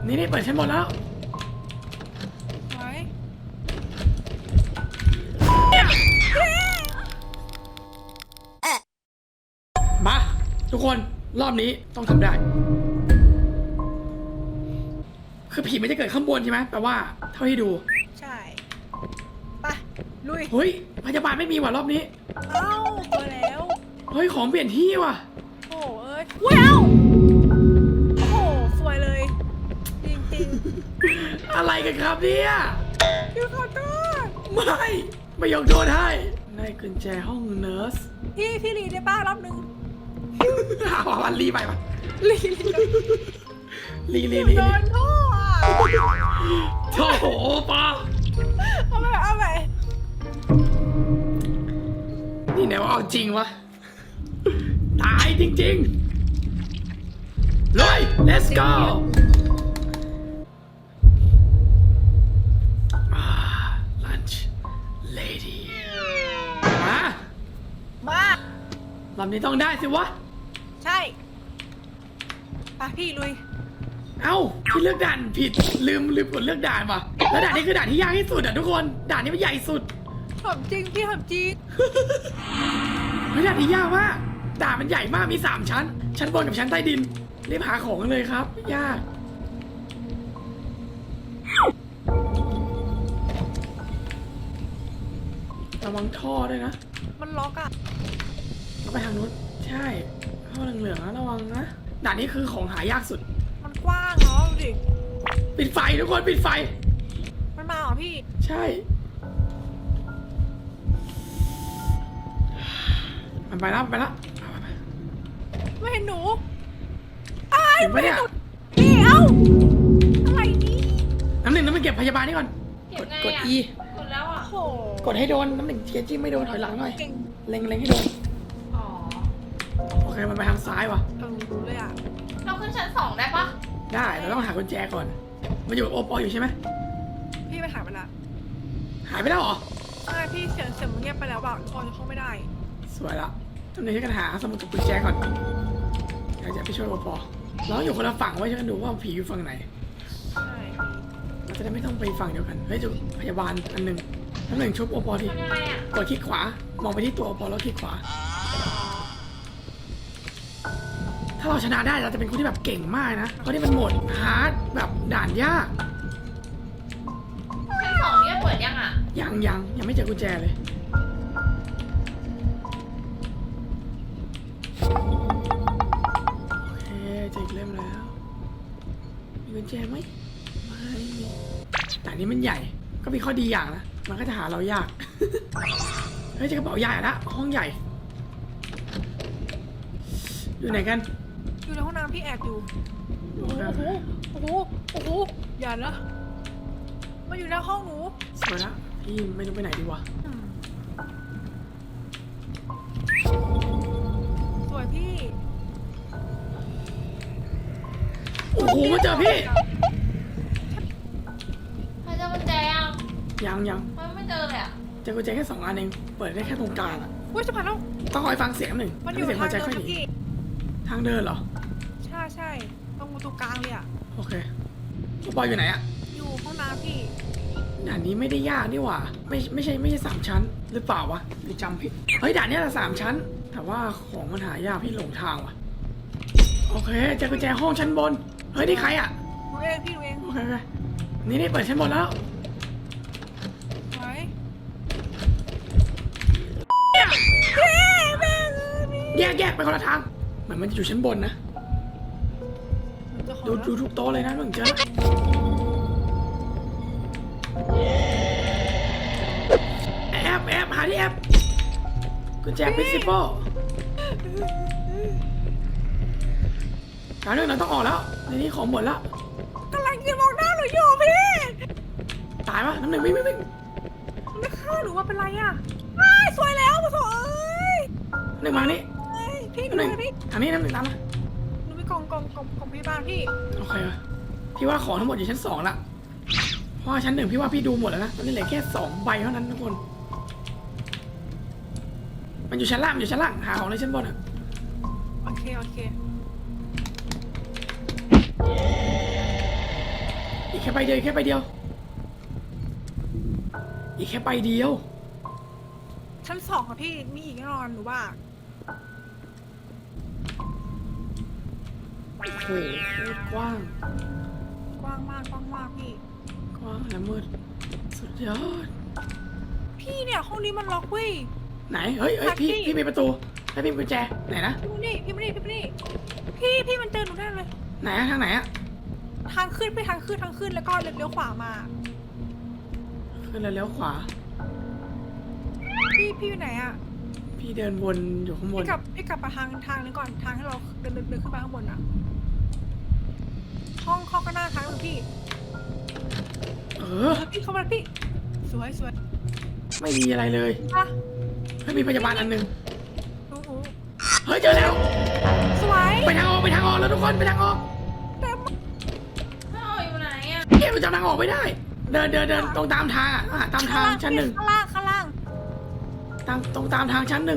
นี่เปิดชั้นบนแล้วไว้มาทุกคนรอบนี้ต้องทำได้คือผีมันจะเกิดข้างบนใช่ไหมแปลว่าเท่าที่ดูใช่ไปลุยเฮ้ยพยาบาลไม่มีว่ะรอบนี้เอ้าพอแล้วเฮ้ยของเปลี่ยนที่ว่ะโอ้เอ้ยว้าวโอ้สวยเลยจริงๆอะไรกันครับเนี่ยพี่ขอโทษไม่ยกโดนให้ได้กุญแจห้องเนิร์สพี่รีได้ป้ารอบนึงวันรีไปปะรี โดนท่อโถ่โหปะเอาไปนี่ไหนว่าเอาจริงวะตายจริงๆเลย let's go lunch lady มารอบนี้ต้องได้สิวะใช่ไปพี่ลุยเอ้าพี่เลือกด่านผิดลืมกดเลือกด่านว่ะแล้วด่านนี้คือด่านที่ยากที่สุดอ่ะทุกคนด่านนี้มันใหญ่สุดถามจริงพี่ถามจริงไม่ด่านนี้ยากมากด่านมันใหญ่มากมี3ชั้นชั้นบนกับชั้นใต้ดินรีบหาของกันเลยครับยากระวังท่อด้วยนะมันล็อกอ่ะไปทางนู้นใช่ท่อเหลืองๆระวังนะด่านนี้คือของหายากสุดมันกว้างเนาะดูดิปิดไฟทุกคนปิดไฟมันมาเหรอพี่ใช่มันไปแล้วไม่เห็นหนูเห็นปะเนี่ยพี่เอ้าอะไรนี่น้ำหนึ่งเก็บพยาบาลนี่ก่อนกด E กดแล้วอ่ะโหกดให้โดนน้ำหนึ่งเทียจิ้มไม่โดนถอยหลังหน่อยเล็งให้โดนอ๋อโอเคมันไปทางซ้ายว่ะรู้เลยอ่ะเราขึ้นชั้น2ได้ปะได้เราต้องหากุญแจก่อนมันอยู่กับโอปออยู่ใช่ไหมพี่ไปหายไปละหายไปแล้วเหรอใช่พี่เสียงมันเงียบไปแล้วแบบพอจะเข้าไม่ได้สวยละตอนนี้กันหาสมุดกับกุญแจก่อนอยากจะไปช่วยโอปอเราอยู่คนละฝั่งไว้ช่วยกันดูว่าผีอยู่ฝั่งไหนใช่เราจะได้ไม่ต้องไปฝั่งเดียวกันเฮ้ยจุพยาบาลอันหนึ่งน้ำหนึ่งชุบโอปอทีกดคลิกขวามองไปที่ตัวโอปอแล้วคลิกขวาถ้าเราชนะได้เราจะเป็นคนที่แบบเก่งมากนะเพราะนี่มันโหมดฮาร์ดแบบด่านยากชั้น2เนี่ยเปิดยังอ่ะยังไม่เจอกุญแจเลยโอเคเจออีกเล่มแล้วมีกุญแจไหมไม่มีแต่นี้มันใหญ่ก็มีข้อดีอย่างนะมันก็จะหาเรายากเฮ้ยเจอกระเป๋าใหญ่ละห้องใหญ่อยู่ไหนกันอยู่ในห้องน้ำพี่แอบอยู่โอ้โหอย่านะมาอยู่ในห้องหนูสวยละพี่ไม่รู้ไปไหนดีวะสวยพี่โอ้โหมาเจอพี่ใครเจอกุญแจยังไม่เจอเลยอ่ะเจอกุญแจแค่2 อันเองเปิดได้แค่ตรงกลางอ่ะอุ้ยจะผ่านแล้วต้องคอยฟังเสียงหนึ่งมันอยู่เสียงหัวใจค่อยหนีทางเดินเหรอใช่ตรงประตูกลางเลยอ่ะโอเคบอยอยู่ไหนอ่ะอยู่ห้องน้ำพี่ด่านนี้ไม่ได้ยากนี่หว่าไม่ใช่3 ชั้นหรือเปล่าวะหรือจำผิดเฮ้ยด่านนี้ละ3 ชั้นแต่ว่าของมันหายากพี่หลงทางว่ะโอเคเจอกุญแจห้องชั้นบนเฮ้ยนี่ใครอ่ะหนูเองโอเคนี่เปิดชั้นบนแล้วไว้แยกไปคนละทางเหมือนมันจะอยู่ชั้นบนนะดูทุกโต๊ะเลยนะมึงเจอแอบหาที่แอบกุญแจ principal เรื่องเราต้องออกแล้วในนี้ของหมดแล้วกำลังจะมองหน้าหนูอยู่พี่ตายปะน้ำหนึ่งวิ่งไม่ฆ่าหนูว่าเป็นไรอ่ะสวยแล้วมาโถหนึ่งมานี่พี่หนึ่งทางนี้น้ำหนึ่งตามมาหนูไปกล่องพี่บ้านพี่โอเคพี่ว่าของทั้งหมดอยู่ชั้น2ละเพราะชั้น1พี่ว่าพี่ดูหมดแล้วนะตอนนี้เหลือแค่2 ใบเท่านั้นทุกคนมันอยู่ชั้นล่างหาของในชั้นบนอ่ะโอเคแค่ใบเดียวอีกแค่ใบเดียวอีกแค่ใบเดียวชั้นสองค่ะพี่มีอีกแน่นอนหนูว่าโอ้โหกว้างกว้างมากพี่กว้างและมืดสุดยอดพี่เนี่ยห้องนี้มันล็อกเว้ยไหนเฮ้ยพี่มีประตูแล้วพี่มีกุญแจไหนนะพี่มันมันเจอหนูแน่เลยไหนอะทางไหนอะทางขึ้นแล้วก็เลี้ยวขวามาขึ้นแล้วเลี้ยวขวาพี่อยู่ไหนอะพี่เดินวนอยู่ข้างบนพี่กลับมาทางนี้ก่อนทางให้เราเดินขึ้นมาข้างบนอะห้องก็หน้าทางเลยพี่เออพี่เข้ามาพี่สวยไม่มีอะไรเลยอ่ะไม่มีพยาบาลอันหนึงโอ้โหเฮ้ยเจอแล้วสวยไปทางออกแล้วทุกคนไปทางออกเต็มถ้าเอาอยู่ไหนอ่ะเกมมันจำทางออกไม่ได้ เดินตรงตามทางอะตามทางชั้นหนึ่งข้างล่างตรงตามทางชั้นหนึ่ง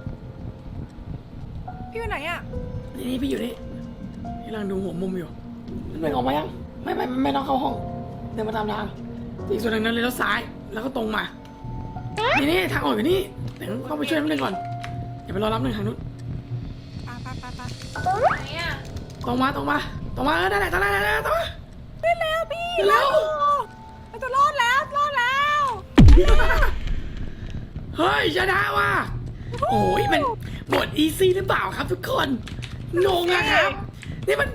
พี่อยู่ไหนอะนี่พี่อยู่นี่พี่กำลังดูหัวมุมอยู่มันไม่ออกมายังไม่ต้องเข้าห้องเดินมาตามทางอีกส่วนหนึ่งนั้นเลยแล้วซ้ายแล้วก็ตรงมานี่ทางออกอยู่นี่เดี๋ยวเข้าไปช่วยน้ำหนึ่งก่อนอย่าไปรอรับหนึ่งทางนู้นไปไหนอ่ะตรงมาได้แหละตรงมาได้แล้วพี่เร็วเราจะรอดแล้วเฮ้ยชนะว่ะโอ้ยมันบทอีซี่หรือเปล่าครับทุกคนงงอะครับนี่มัน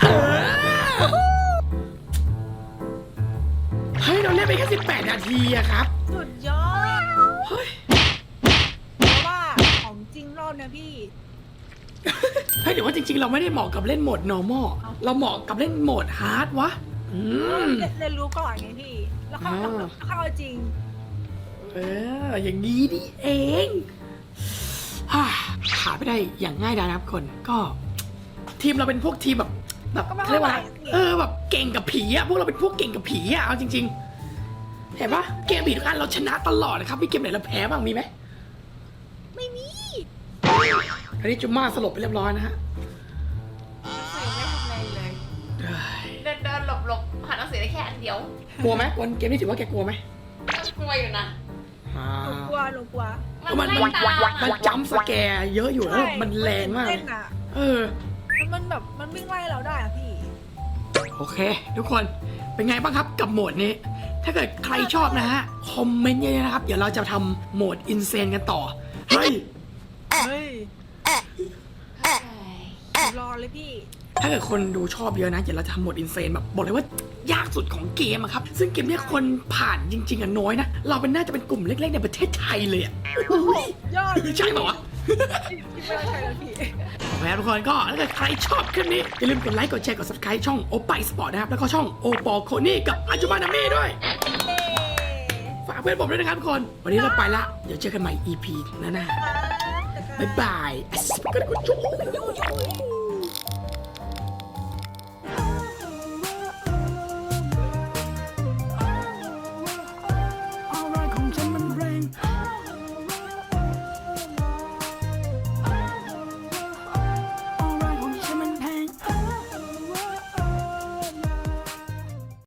เฮ้ยเราเล่นไปแค่18 นาทีอะครับสุดยอดเฮ้ยเพราะว่าของจริงรอบนะพี่เฮ้ยเดี๋ยวว่าจริงๆเราไม่ได้เหมาะกับเล่นโหมด normal เราเหมาะกับเล่นโหมด hard วะเรียนรู้ก่อนไงพี่ แล้วเข้าเอาจริงอย่างนี้นี่เองผ่านไปได้อย่างง่ายดายนะครับคนก็ทีมเราเป็นพวกทีมแบบก็ไม่เขาเรียกว่าอะไรเท่าไหร่แบบเก่งกับผีอะพวกเราเป็นพวกเก่งกับผีอะเอาจริงๆเห็นปะเกมผีทุกอันเราชนะตลอดนะครับมีเกมไหนเราแพ้บ้างมีไหมไม่มีอันนี้จุมม่าสลบไปเรียบร้อยนะฮะหนังสือไม่ทำอะไรเลยเอ้ยเดินหลบหาหนังสือได้แค่อันเดียวกลัวไหมวันเกมนี้ถือว่าแกกลัวไหมก็กลัวอยู่นะหนูกลัวมันไล่ตามมันอ่ะจัมป์สแกร์เยอะอยู่แล้วมันแรงมากเต้นอะเออมันแบบมันวิ่งไล่เราได้อะพี่โอเค ทุกคนเป็นไงบ้างครับกับโหมดนี้ ถ้าเกิดใครชอบนะฮะ คอมเมนต์เยอะๆนะครับ เดี๋ยวเราจะทำโหมดอินเซนกันต่อ เฮ้ยเฮ้ยรอเลยพี่ถ้าเกิดคนดูชอบเยอะนะ เดี๋ยวเราจะทำโหมดอินเซนแบบบอกเลยว่ายากสุดของเกมอะครับ ซึ่งเกมเนี้ยคนผ่านจริงๆอะน้อยนะ เราเป็นน่าจะเป็นกลุ่มเล็กๆในประเทศไทยเลยอะอุ๊ยยอดใช่เปล่าวะพี่ไม่ได้ใช่แล้วพี่โอเคทุกคนก็ถ้าเกิดใครชอบคลิปนี้ อย่าลืมกดไลค์กดแชร์กด subscribe ช่องโอปายสปอร์ตนะครับ แล้วก็ช่องโอปอโคนี่กับอาจุมานาเม่ด้วย ฝากเพื่อนผมด้วยนะครับทุกคน วันนี้เราไปละ เดี๋ยวเจอกันใหม่ EP หน้าๆบ๊ายบาย